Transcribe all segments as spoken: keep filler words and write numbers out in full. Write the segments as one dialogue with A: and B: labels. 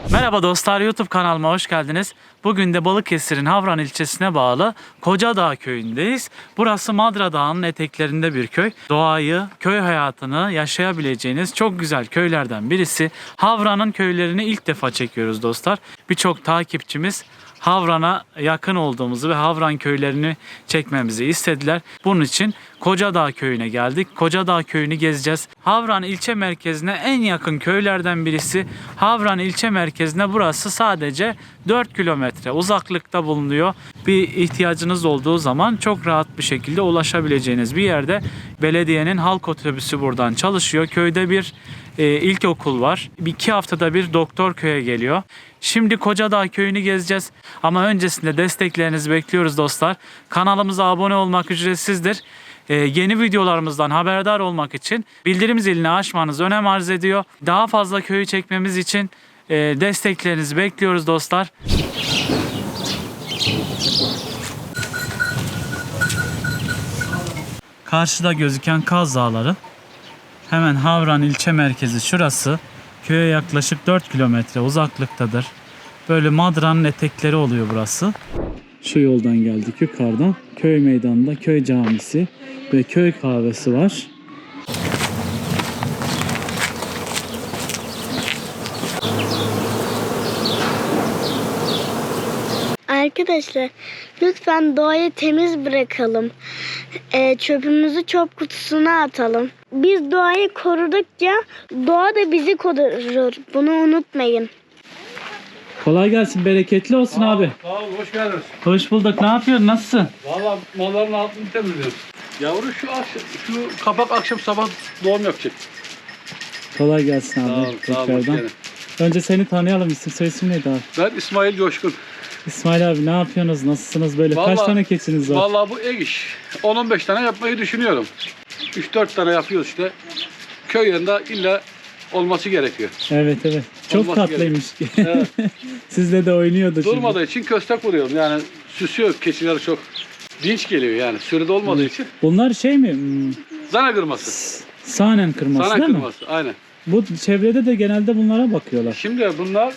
A: Merhaba dostlar, YouTube kanalıma hoş geldiniz. Bugün de Balıkesir'in Havran ilçesine bağlı Kocadağ köyündeyiz. Burası Madra Dağı'nın eteklerinde bir köy. Doğayı, köy hayatını yaşayabileceğiniz çok güzel köylerden birisi. Havran'ın köylerini ilk defa çekiyoruz dostlar. Birçok takipçimiz Havran'a yakın olduğumuzu ve Havran köylerini çekmemizi istediler. Bunun için Kocadağ köyüne geldik. Kocadağ köyünü gezeceğiz. Havran ilçe merkezine en yakın köylerden birisi. Havran ilçe merkezine burası sadece dört kilometre uzaklıkta bulunuyor. Bir ihtiyacınız olduğu zaman çok rahat bir şekilde ulaşabileceğiniz bir yerde. Belediyenin halk otobüsü buradan çalışıyor. Köyde bir e, ilkokul var. İki haftada bir doktor köye geliyor. Şimdi Kocadağ köyünü gezeceğiz. Ama öncesinde desteklerinizi bekliyoruz dostlar. Kanalımıza abone olmak ücretsizdir. Ee, yeni videolarımızdan haberdar olmak için bildirim zilini açmanız önem arz ediyor. Daha fazla köyü çekmemiz için e, desteklerinizi bekliyoruz dostlar. Karşıda gözüken Kaz Dağları. Hemen Havran ilçe merkezi şurası. Köye yaklaşık dört kilometre uzaklıktadır. Böyle Madra'nın etekleri oluyor burası. Şu yoldan geldik yukarıdan. Köy meydanında köy camisi ve köy kahvesi var.
B: Arkadaşlar lütfen doğayı temiz bırakalım. Ee, çöpümüzü çöp kutusuna atalım. Biz doğayı korudukça doğa da bizi korur. Bunu unutmayın.
A: Kolay gelsin, bereketli olsun
C: Sağ ol,
A: abi.
C: Sağ ol, hoş geldiniz.
A: Hoş bulduk. Ne yapıyorsun? Nasılsın?
C: Valla malların altını temizliyoruz. Yavru şu akşam, şu kapak akşam sabah doğum yapacak.
A: Kolay gelsin abi.
C: Sağ ol, sağ ol, hoş
A: Tekrardan.
C: geldin.
A: Önce seni tanıyalım. İsim soy isim neydi abi?
C: Ben İsmail Coşkun.
A: İsmail abi, ne yapıyorsunuz? Nasılsınız? Böyle kaç
C: Vallahi-
A: tane keçiniz var?
C: Valla bu ek iş. on on beş tane yapmayı düşünüyorum. üç dört tane yapıyoruz işte. Köy yanında illa olması gerekiyor.
A: Evet evet. Çok
C: Olması
A: tatlıymış.
C: Evet.
A: Sizle de oynuyordu şimdi.
C: Durmadığı için köstek vuruyorum. Yani süsüyor keçileri çok. Dinç geliyor yani sürüde olmadığı için.
A: Bunlar şey mi? Hmm,
C: Zana kırması.
A: Sahnen kırması
C: Zana
A: değil mi?
C: kırması aynen.
A: Bu çevrede de genelde bunlara bakıyorlar.
C: Şimdi bunlar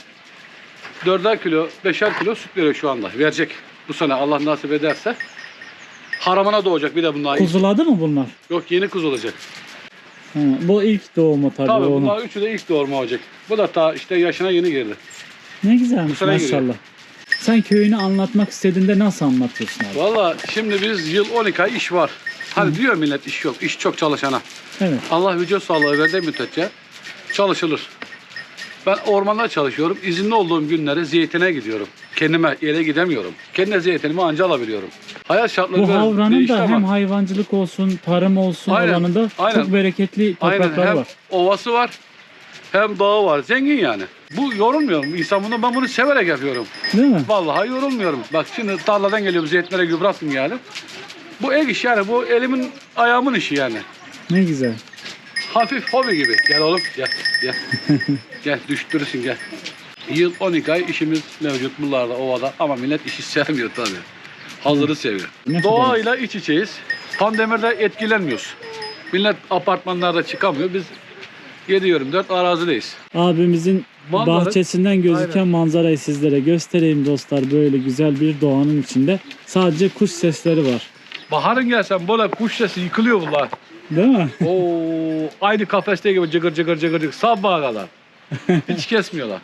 C: dörder kilo, beşer kilo süt veriyor şu anda. Verecek bu sene Allah nasip ederse. Haramına doğacak bir de bunlar.
A: Kuzuladı mı bunlar?
C: Yok yeni kuz olacak.
A: Ha, bu ilk doğumu tabii,
C: Tabii
A: onun.
C: bunlar üçü de ilk doğurma olacak. Bu da ta işte yaşına yeni girdi.
A: Ne güzelmiş
C: Bu sene
A: maşallah.
C: giriyor.
A: Sen köyünü anlatmak istediğinde nasıl anlatıyorsun abi?
C: Valla şimdi biz yıl on iki ay iş var. Hani diyor millet iş yok, iş çok çalışana.
A: Evet.
C: Allah vücut sağlığı verdiği müddetçe çalışılır. Ben ormanda çalışıyorum. İzinli olduğum günleri zeytine gidiyorum. Kendime yere gidemiyorum. Kendi zeytinimi anca alabiliyorum. Hayat şartları
A: Bu
C: biraz
A: Havran'ın
C: değişti
A: da
C: ama-
A: hem hayvancılık olsun, tarım olsun
C: Aynen,
A: alanında
C: aynen.
A: çok bereketli topraklar
C: hem
A: var.
C: ovası var hem dağı var. Zengin yani. Bu yorulmuyorum. İnsan bunu, ben bunu severek yapıyorum.
A: Değil mi?
C: Vallahi yorulmuyorum. Bak şimdi tarladan geliyorum. Zeytinlere gübre attım yani. Bu ek iş yani. Bu elimin ayağımın işi yani.
A: Ne güzel.
C: Hafif hobi gibi. Gel oğlum gel. Gel. Gel düştürürsün gel. Yıl on iki ay işimiz mevcut buralarda ovada ama millet işi sevmiyor tabii. Hazırı seviyor.
A: Ne
C: Doğayla iç içeyiz. Pandemirde etkilenmiyoruz. Millet apartmanlarda çıkamıyor. Biz yedi yirmi dört arazideyiz.
A: Abimizin
C: Manzara-
A: bahçesinden gözüken
C: Aynen.
A: manzarayı sizlere göstereyim dostlar. Böyle güzel bir doğanın içinde. Sadece kuş sesleri var.
C: Baharın gelsen böyle kuş sesi yıkılıyor bunlar.
A: Değil mi?
C: Oo, aynı kafeste gibi cıgır cıgır cıgır cıgır sabaha kadar. Hiç kesmiyorlar.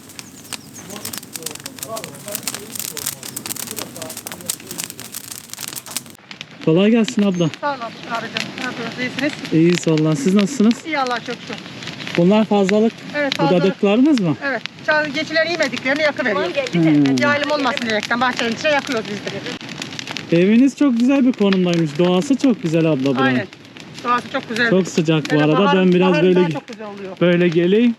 A: Kolay gelsin abla.
D: Sağ olun abicim. Ne yapıyorsunuz? İyisiniz?
A: İyiyiz vallahi. Siz nasılsınız?
D: İyi Allah çok şükür.
A: Bunlar fazlalık.
D: Evet fazla.
A: Budadıklarınız mı?
D: Evet. Çağ- Geçiler yemediklerini yakıveriyoruz.
A: Hmm.
D: Yaylım olmasın diyerekten bahçenin içine yakıyoruz biz de.
A: Eviniz çok güzel bir konumdaymış. Doğası çok güzel abla buranın.
D: Aynen. Doğası çok güzel.
A: Çok sıcak bu
D: Hele
A: arada.
D: bahar-
A: Ben biraz
D: bahar
A: böyle
D: daha çok güzel oluyor.
A: böyle geleyim.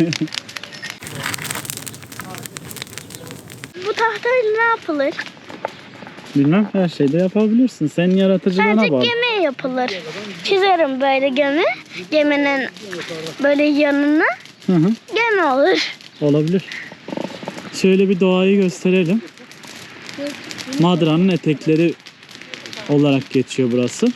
B: Bu tahtayla ne yapılır?
A: Bilmem, her şeyde yapabilirsin. Senin yaratıcılığına
B: Sadece
A: bağlı.
B: gemi yapılır. Çizerim böyle gemi. Geminin böyle yanına
A: Hı hı.
B: gemi olur.
A: Olabilir. Şöyle bir doğayı gösterelim. Madra'nın etekleri olarak geçiyor burası.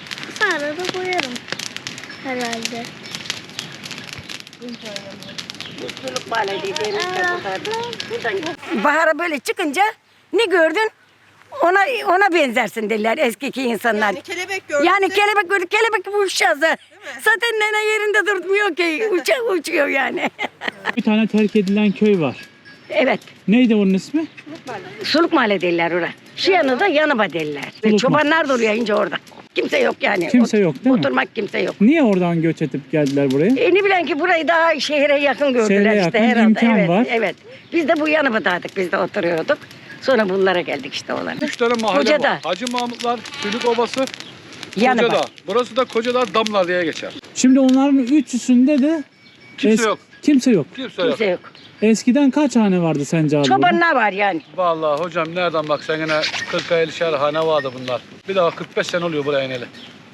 B: Sonra da boyarım herhalde.
E: Mutluluk Mahallesi dediğimiz de burada. Buradan. Bahara böyle çıkınca ne gördün? Ona ona benzersin derler eskiki insanlar.
F: Yani kelebek gördün.
E: Yani kelebek gördük, kelebek uçacağız. Zaten nene yerinde durmuyor ki, uça, uçuyor yani.
A: Bir tane terk edilen köy var.
E: Evet,
A: Neydi onun ismi?
E: Suluk Mahalle derler oraya. Şu yanı da Yanıba derler.
A: Suluk
E: Çobanlar duruyor ince orada. Kimse yok yani.
A: Kimse yok değil mi?
E: Oturmak kimse yok.
A: Niye oradan göç edip geldiler buraya?
E: E ne bilen ki burayı daha şehre yakın gördüler
A: Şehre
E: işte
A: yakın,
E: herhalde.
A: imkan
E: Evet,
A: var.
E: evet. Biz de bu Yanıba'daydık, biz de oturuyorduk. Sonra bunlara geldik işte olan.
C: Üç tane mahalle
E: Kocadağ.
C: var. Hacı Mahmutlar, Sülük Obası,
E: Yanıba.
C: Kocadağ. Burası da Kocadağ Damlar diye geçer.
A: Şimdi onların üçüsünde de
C: Kimse
A: es-
C: yok.
A: Kimse yok.
C: Kimse yok.
E: Kimse yok.
A: Eskiden kaç hane vardı sence abi? burada?
E: Çobanlar var yani.
C: Vallahi hocam nereden bak sen yine kırk elli'şer hane vardı bunlar. Bir daha kırk beş sene oluyor buraya ineli.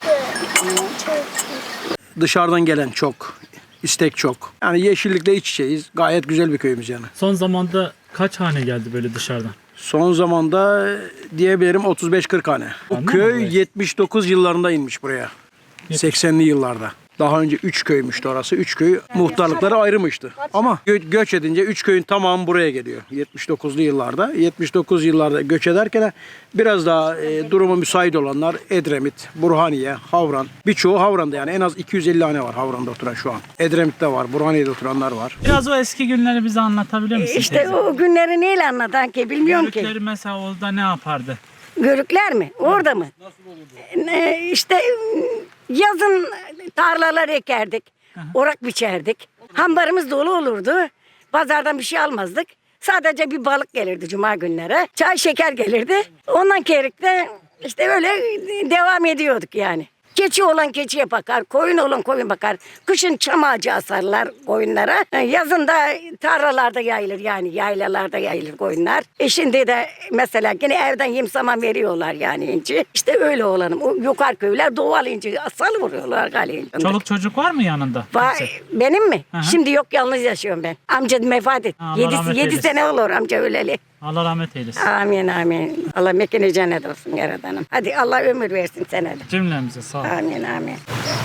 G: Dışarıdan gelen çok, istek çok. Yani yeşillikle iç içeyiz. Gayet güzel bir köyümüz yani.
A: Son zamanda kaç hane geldi böyle dışarıdan?
G: Son zamanda diyebilirim otuz beş kırk hane. Bu
A: Anladın mı
G: köy
A: burayı?
G: yetmiş dokuz yıllarında inmiş buraya. seksenli yıllarda. Daha önce üç köymüştü orası. üç köy muhtarlıkları ayrımıştı. Ama gö- göç edince üç köyün tamamı buraya geliyor. yetmiş dokuzlu yıllarda. yetmiş dokuz yıllarda göç ederken biraz daha e, durumu müsait olanlar Edremit, Burhaniye, Havran. Birçoğu Havran'da yani en az iki yüz elli hane var Havran'da oturan şu an. Edremit'te var, Burhaniye'de oturanlar var.
A: Biraz o eski günleri bize anlatabilir misin?
E: İşte
A: teyze?
E: o günleri neyle anlatan ki bilmiyorum ki.
A: Yörükleri mesela orada ne yapardı?
E: Görükler mi? Orada mı? Nasıl olurdu? Ee, işte yazın tarlalar ekerdik. Orak biçerdik. Hambarımız dolu olurdu. Pazardan bir şey almazdık. Sadece bir balık gelirdi cuma günleri. Çay şeker gelirdi. Ondan kerikte işte öyle devam ediyorduk yani. Keçi olan keçiye bakar, koyun olan koyun bakar. Kışın çam ağacı asarlar koyunlara. Yazın da tarlalarda yayılır yani yaylalarda yayılır koyunlar. E şimdi de mesela yine evden yem saman veriyorlar yani inci. İşte öyle olanım. O yukarı köyler doğal inci asal vuruyorlar galiba.
A: Çoluk çocuk var mı yanında?
E: Var,
A: Kimse?
E: benim mi?
A: Hı hı.
E: Şimdi yok yalnız yaşıyorum ben. Amca vefat etti.
A: Allah
E: Yedi,
A: rahmet
E: yedi
A: eylesin.
E: sene olur amca öleli.
A: Allah rahmet eylesin.
E: Amin amin. Allah mekini cennet olsun yaradanım. Hadi Allah ömür versin sana da.
A: Cümlemize sağ ol.
E: Amin amin.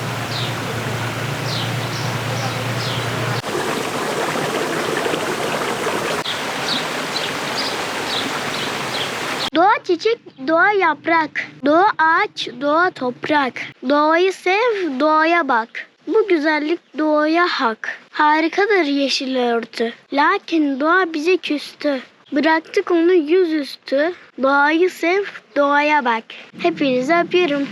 B: Doğa çiçek, doğa yaprak. Doğa ağaç, doğa toprak. Doğayı sev, doğaya bak. Bu güzellik doğaya hak. Harikadır yeşil örtü. Lakin doğa bize küstü. Bıraktık onu yüzüstü. Doğayı sev, doğaya bak. Hepinizi öpüyorum.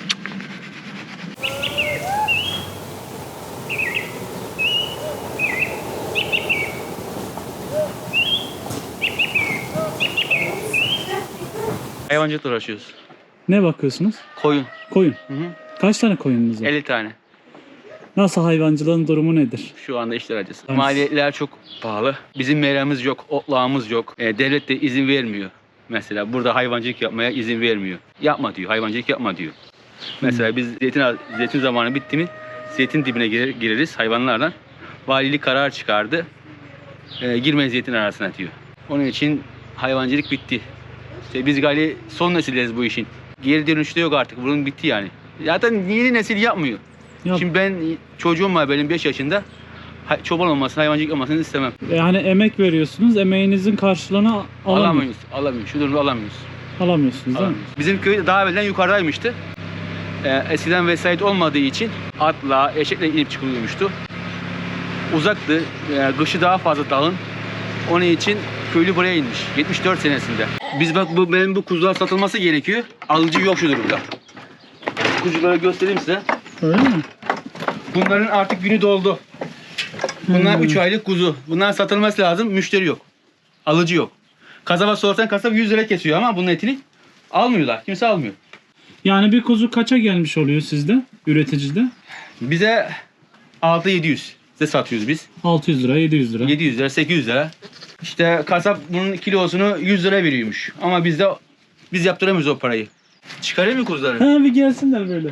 H: Hayvancılıkla uğraşıyoruz.
A: Ne bakıyorsunuz?
H: Koyun.
A: Koyun.
H: Hı hı.
A: Kaç tane koyununuz var?
H: elli tane.
A: Nasıl hayvancılığın durumu nedir?
H: Şu anda işler acısı.
A: Evet.
H: Maliyetler çok pahalı. Bizim meramız yok, otlağımız yok. E, devlet de izin vermiyor. Mesela burada hayvancılık yapmaya izin vermiyor. Yapma diyor, hayvancılık yapma diyor. Mesela biz zeytin, zeytin zamanı bitti mi zeytin dibine girer, gireriz hayvanlardan. Valilik karar çıkardı. E, girmeyin zeytin arasına diyor. Onun için hayvancılık bitti. İşte biz galiba son nesilleriz bu işin. Geri dönüşü de yok artık. Bunun bitti yani. Zaten yeni nesil yapmıyor.
A: Yap.
H: Şimdi ben çocuğum var benim beş yaşında. hay- Çoban olmasını, hayvancılık olmasını istemem.
A: Yani emek veriyorsunuz, emeğinizin karşılığını alamıyor-
H: Alamıyoruz. Alamıyoruz. Şu durumda alamıyoruz.
A: alamıyorsunuz değil mi?
H: Alamıyoruz. Bizim köy daha evvelden yukarıdaymıştı. Ee, eskiden vesayet olmadığı için atla, eşekle inip çıkılıyormuştu. Uzaktı. Ee, kışı daha fazla dağın. Onun için köylü buraya inmiş. yetmiş dört senesinde. Biz bak bu benim bu kuzular satılması gerekiyor. Alıcı yok şu durumda. Kuzuları göstereyim size.
A: Öyle mi?
H: Bunların artık günü doldu. Bunlar
A: Hmm.
H: üç aylık kuzu. Bunlar satılması lazım. Müşteri yok. Alıcı yok. Kasaba sorsan kasap yüz lira kesiyor ama bunun etini almıyorlar. Kimse almıyor.
A: Yani bir kuzu kaça gelmiş oluyor sizde, üreticide?
H: Bize altı yedi yüz size satıyoruz biz.
A: altı yüz lira, yedi yüz lira.
H: yedi yüz lira, sekiz yüz lira. İşte kasap bunun kilosunu yüz lira veriyormuş. Ama biz de biz yaptıramıyoruz o parayı. Çıkarayım mı kuzuları?
A: Ha bir gelsinler böyle.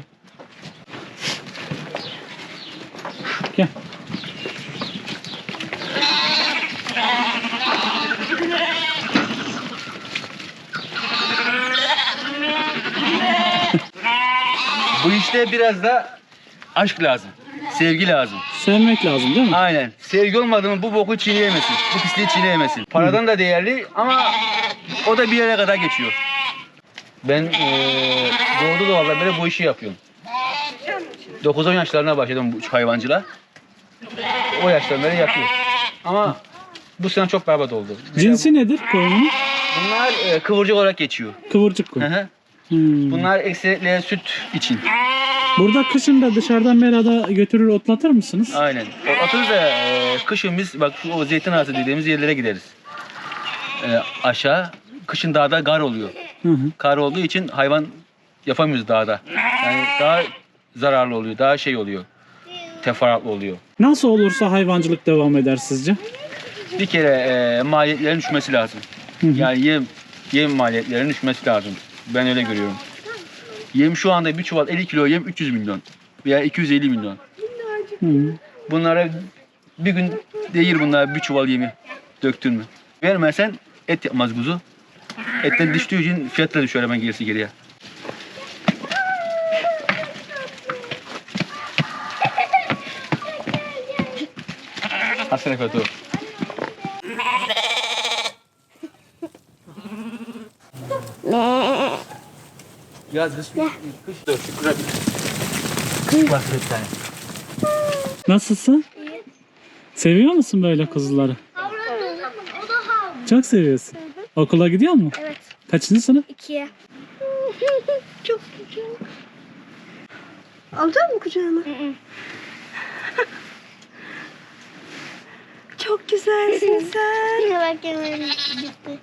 A: Gel.
H: Bu işte biraz da aşk lazım. Sevgi lazım.
A: Sevmek lazım değil mi?
H: Aynen. Sevgi olmadı mı bu boku çiğneyemezsin. Bu pisliği çiğneyemezsin. Paradan da değerli ama o da bir yere kadar geçiyor. Ben eee doğdu doğadan beri bu işi yapıyorum. dokuz on yaşlarına başladım bu hayvancılığa. O yaştan beri yapıyorum. Ama bu sene çok berbat oldu.
A: Cinsi nedir koyunun?
H: Bunlar eee, kıvırcık olarak geçiyor.
A: Kıvırcık
H: Hı
A: koyun.
H: hı.
A: Hmm.
H: Bunlar ekseriyetle süt için.
A: Burada kışın da dışarıdan merada götürür otlatır mısınız?
H: Aynen. Otuz da eee, kışın biz bak şu o zeytin ağası dediğimiz yerlere gideriz. Eee, aşağı kışın dağda kar oluyor.
A: Hı hı.
H: Kar olduğu için hayvan yapamıyoruz dağda. Yani daha zararlı oluyor, daha şey oluyor. Teferruatlı oluyor.
A: Nasıl olursa hayvancılık devam eder sizce?
H: Bir kere eee maliyetlerin düşmesi lazım.
A: Hı hı.
H: Yani yem yem maliyetlerinin düşmesi lazım. Ben öyle görüyorum. Yem şu anda bir çuval elli kilo yem üç yüz milyon veya iki yüz elli milyon.
A: Hı hı.
H: Bunlara bir gün değir bunlar bir çuval yemi döktün mü. Vermezsen et yapmaz kuzu. Etten düştüğü için fiyatla düşüyor hemen gerisi geriye. Hasan Efendi o. Ya kış kış dur şükür. Bak bir tane.
A: Nasılsın? Seviyor musun böyle kuzuları?
B: O da hav.
A: Çok seviyorsun. Okula gidiyor mu?
B: Evet.
A: Kaçıncı sınıf?
B: İkiye. Çok güzel. Alacak mı kucağına?
F: Çok güzelsin sen.
B: Bak hemen gitti.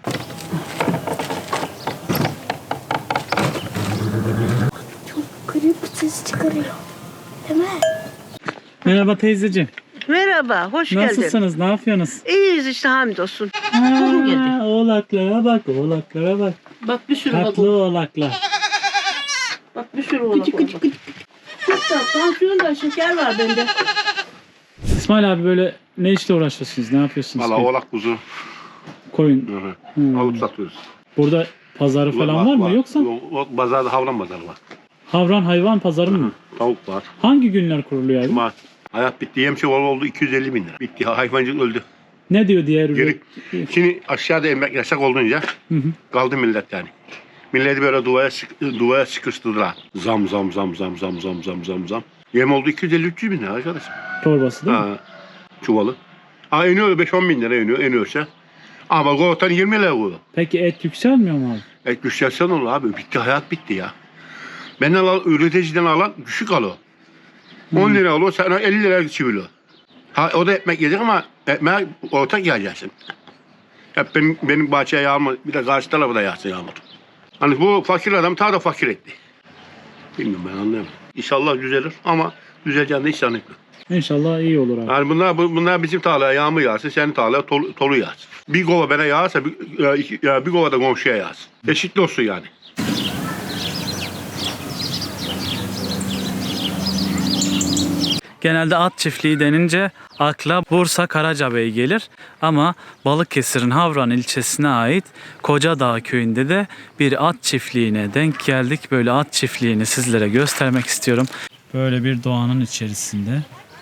B: Çok garip bir ses çıkarıyor. Değil mi?
A: Merhaba teyzeciğim.
F: Merhaba, hoş geldin.
A: Nasılsınız? Ne yapıyorsunuz?
F: İyiyiz işte hamdolsun.
A: Aa, oğlaklara bak, oğlaklara bak.
F: Bak bir sürü bak.
A: Tatlı oğlaklar.
F: Bak bir sürü oğlak. Küçük küçük küçük. Tansiyon da şeker var bende.
A: İsmail abi böyle ne işle uğraşıyorsunuz? Ne yapıyorsunuz?
I: Valla oğlak kuzu
A: Koyun.
I: hı hı.
A: Hmm.
I: alıp satıyoruz.
A: Burada pazarı falan var mı yoksa?
I: O, o pazarda havlan pazarı var.
A: Havran hayvan pazarı mı?
I: Tavuk var.
A: Hangi günler kuruluyor abi?
I: Cuma. Hayat bitti. Yem çuvalı oldu iki yüz elli bin lira. Bitti. Hayvancılık öldü.
A: Ne diyor diğer
I: Geri.
A: ürün?
I: Şimdi aşağıda emek yasak olunca
A: Hı hı.
I: kaldı millet yani. Milleti böyle duvaya, sık, duvaya sıkıştırdılar. Zam zam zam zam zam zam zam zam zam. Yem oldu iki yüz elli üç yüz bin lira arkadaşım.
A: Torbası değil mi?
I: Ha, çuvalı. Ha iniyor beş on bin lira iniyor, iniyorsa. Ama kovutan yirmi lira kovuyor.
A: Peki et yükselmiyor mu abi?
I: Et düşersen olur abi. Bitti, hayat bitti ya. Benden al, üreticiden alan düşük alıyor. on lira alıyor, sana elli lira çiviliyor. Ha, o da ekmek yiyecek ama ekmeğe ortak yiyeceksin. Hep benim, benim bahçeye yağmur, bir de karşı tarafa da yağsın yağmur. Hani bu fakir adam ta da fakir etti. Bilmiyorum, ben anlayamam. İnşallah düzelir ama düzeleceğini de hiç zannetmiyorum.
A: İnşallah iyi olur abi.
I: Yani bunlar, bunlar bizim tarlaya yağmur yağsın, senin tarlaya tolu, tolu yağsın. Bir kova bana yağarsa bir, e, iki, bir kova da komşuya yağsın. Eşitli olsun yani.
A: Genelde at çiftliği denince akla Bursa Karacabey gelir ama Balıkesir'in Havran ilçesine ait Kocadağ köyünde de bir at çiftliğine denk geldik. Böyle at çiftliğini sizlere göstermek istiyorum. Böyle bir doğanın içerisinde.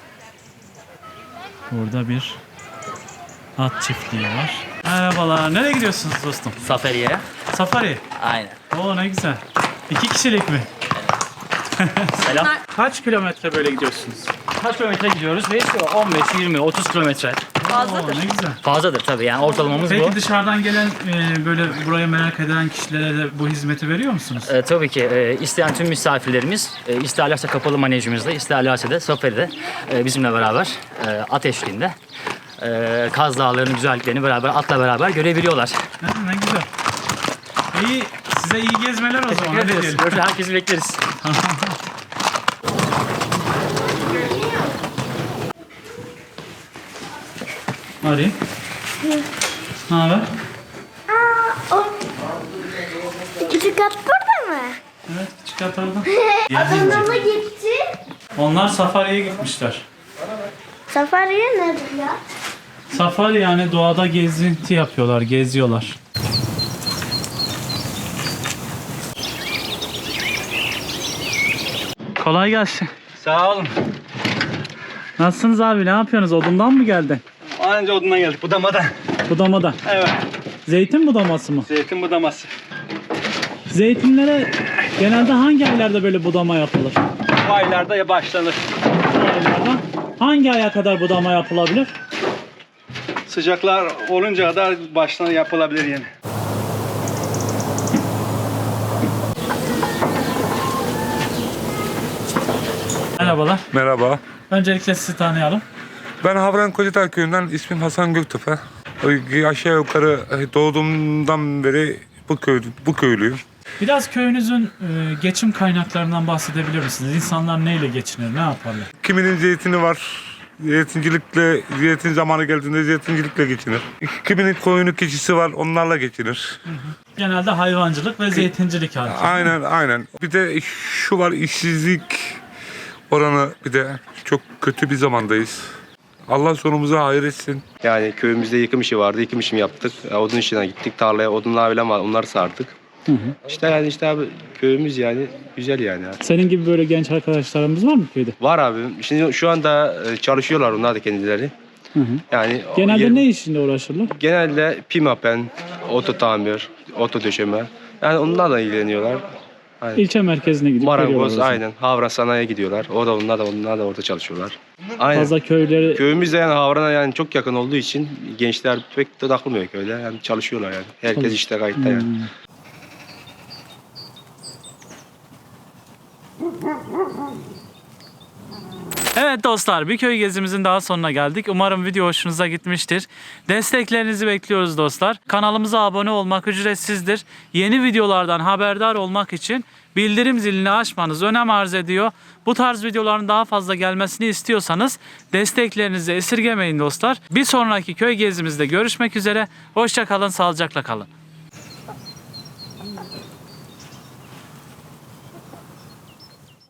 A: Burada bir at çiftliği var. Merhabalar. Nereye gidiyorsunuz dostum?
J: Safari'ye.
A: Safari.
J: Aynen.
A: Oo ne güzel. İki kişilik mi?
J: Selam.
A: Kaç kilometre böyle gidiyorsunuz?
J: Kaç kilometre gidiyoruz? Ve işte on beş, yirmi, otuz kilometre.
A: Oo, ne güzel.
J: Fazladır tabii yani ortalamamız
A: Peki
J: bu.
A: dışarıdan gelen e, böyle buraya merak eden kişilere de bu hizmeti veriyor musunuz?
J: E, tabii ki e, isteyen tüm misafirlerimiz e, isterlerse kapalı manejimizde, isterlerse de Safari'de e, bizimle beraber e, at eşliğinde e, Kaz Dağları'nın güzelliklerini beraber atla beraber görebiliyorlar.
A: Ha, ne güzel. İyi, size iyi gezmeler o zaman.
J: Teşekkür
A: Hadi
J: ederiz.
A: diyelim.
J: Burada herkesi bekleriz.
A: Ari. Ne haber?
B: Aa, o küçük at burada mı?
A: Evet, küçük at orada.
B: Adamla gitti.
A: Onlar safariye gitmişler.
B: Safariye nedir ya?
A: Safari yani doğada gezinti yapıyorlar, geziyorlar. Kolay gelsin.
H: Sağ olun.
A: Nasılsınız abi? Ne yapıyorsunuz? Odundan mı geldin?
K: Anca odundan geldik. Budamadan.
A: Budamadan.
K: Evet.
A: Zeytin budaması mı?
K: Zeytin budaması.
A: Zeytinlere genelde hangi aylarda böyle budama yapılır?
K: Bu aylarda ya başlanır.
A: Bu aylarda. Hangi aya kadar budama yapılabilir?
K: Sıcaklar olunca kadar başlanır, yapılabilir yani.
A: Merhabalar.
L: Merhaba.
A: Öncelikle sizi tanıyalım.
L: Ben Havran Kocadağ köyünden, ismim Hasan Göktepe. Aşağı yukarı doğduğumdan beri bu köy bu köylüyüm.
A: Biraz köyünüzün e, geçim kaynaklarından bahsedebilir misiniz? İnsanlar neyle geçinir, ne yaparlar?
L: Kiminin zeytini var. Zeytincilikle, zeytin zamanı geldiğinde zeytincilikle geçinir. Kiminin koyunu keçisi var, onlarla geçinir.
A: Genelde hayvancılık ve zeytincilik hakim.
L: Aynen, aynen. Bir de şu var, işsizlik oranı bir de çok kötü bir zamandayız. Allah sonumuzu hayır etsin.
M: Yani köyümüzde yıkım işi vardı. Yıkım işimi yaptık. Odun işine gittik. Tarlaya odunlar bile var. Onları sardık.
A: Hı hı.
M: İşte yani işte abi köyümüz yani güzel yani.
A: Senin gibi böyle genç arkadaşlarımız var mı köyde?
M: Var abi. Şimdi şu anda çalışıyorlar onlar da kendileri.
A: Hı hı.
M: Yani
A: Genelde
M: yer-
A: ne işinde uğraşırlar?
M: Genelde pimapen, oto tamir, oto döşeme. Yani onlarla ilgileniyorlar. Aynen.
A: İlçe merkezine gidip
M: Marangoz
A: geliyorlar o zaman.
M: aynen. Havra sanayiye gidiyorlar. O da onlar da onlar da orada çalışıyorlar. Aynen.
A: Fazla köyleri
M: Köyümüz de yani Havran'a yani çok yakın olduğu için gençler pek de takılmıyor köyde. Yani çalışıyorlar yani. Herkes
A: Çalış-
M: işte kayıtta yani.
A: Hmm. Evet dostlar, bir köy gezimizin daha sonuna geldik. Umarım video hoşunuza gitmiştir. Desteklerinizi bekliyoruz dostlar. Kanalımıza abone olmak ücretsizdir. Yeni videolardan haberdar olmak için bildirim zilini açmanız önem arz ediyor. Bu tarz videoların daha fazla gelmesini istiyorsanız desteklerinizi esirgemeyin dostlar. Bir sonraki köy gezimizde görüşmek üzere. Hoşça kalın, sağlıcakla kalın.